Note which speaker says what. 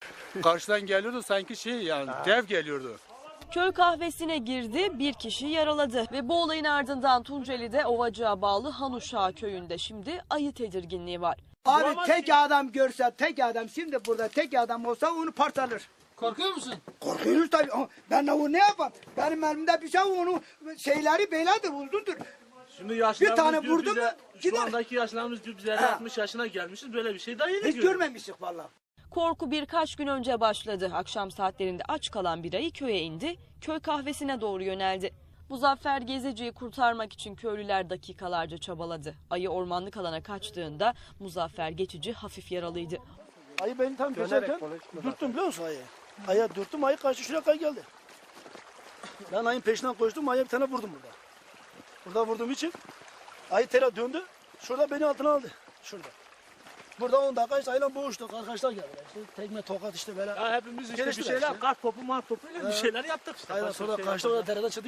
Speaker 1: Karşıdan geliyordu sanki yani dev geliyordu.
Speaker 2: Köy kahvesine girdi, bir kişi yaraladı ve bu olayın ardından Tunceli'de Ovacık'a bağlı Hanuşağı köyünde şimdi ayı tedirginliği var.
Speaker 3: Abi tek adam görse, tek adam şimdi burada tek adam olsa onu parçalar.
Speaker 4: Korkuyor musun?
Speaker 3: Korkuyoruz tabii. Ben onu ne yapayım? Benim elimde bir şey onu şeyleri beylerdir, uzundur.
Speaker 4: Şimdi
Speaker 3: Bir
Speaker 4: yaşlarımız
Speaker 3: tane
Speaker 4: diyor
Speaker 3: vurdu mu
Speaker 4: bize,
Speaker 3: gider.
Speaker 4: şu andaki yaşlarımız diyor biz 50-60 yaşına gelmişiz, böyle bir şey daha yeni
Speaker 3: Hiç
Speaker 4: görüyoruz.
Speaker 3: görmemiştik vallahi.
Speaker 2: Korku birkaç gün önce başladı. Akşam saatlerinde aç kalan bir ayı köye indi, köy kahvesine doğru yöneldi. Muzaffer Gezici'yi kurtarmak için köylüler dakikalarca çabaladı. Ayı ormanlık alana kaçtığında Muzaffer Geçici hafif yaralıydı.
Speaker 5: Ayı beni tam keserken dürttüm biliyor musun ayı? Ayı dürttüm, ayı kaçtı şuraya kadar geldi. Ben ayın peşinden koştum, ayıya bir tane vurdum burada. Burada vurduğum için ayı tela döndü, şurada beni altına aldı. Şurada. Burada 10 dakika işte ayıyla boğuştuk, arkadaşlar geldi. İşte tekme, tokat işte böyle.
Speaker 4: Ya hepimiz işte bir
Speaker 5: Geliştiler
Speaker 4: şeyler,
Speaker 5: işte.
Speaker 4: kart topu, mart topu ile bir şeyler yaptık işte.
Speaker 5: Aynen
Speaker 4: Başka
Speaker 5: sonra
Speaker 4: bir şey
Speaker 5: kaçtı,
Speaker 4: yapmadık.
Speaker 5: orada dereden çıktı.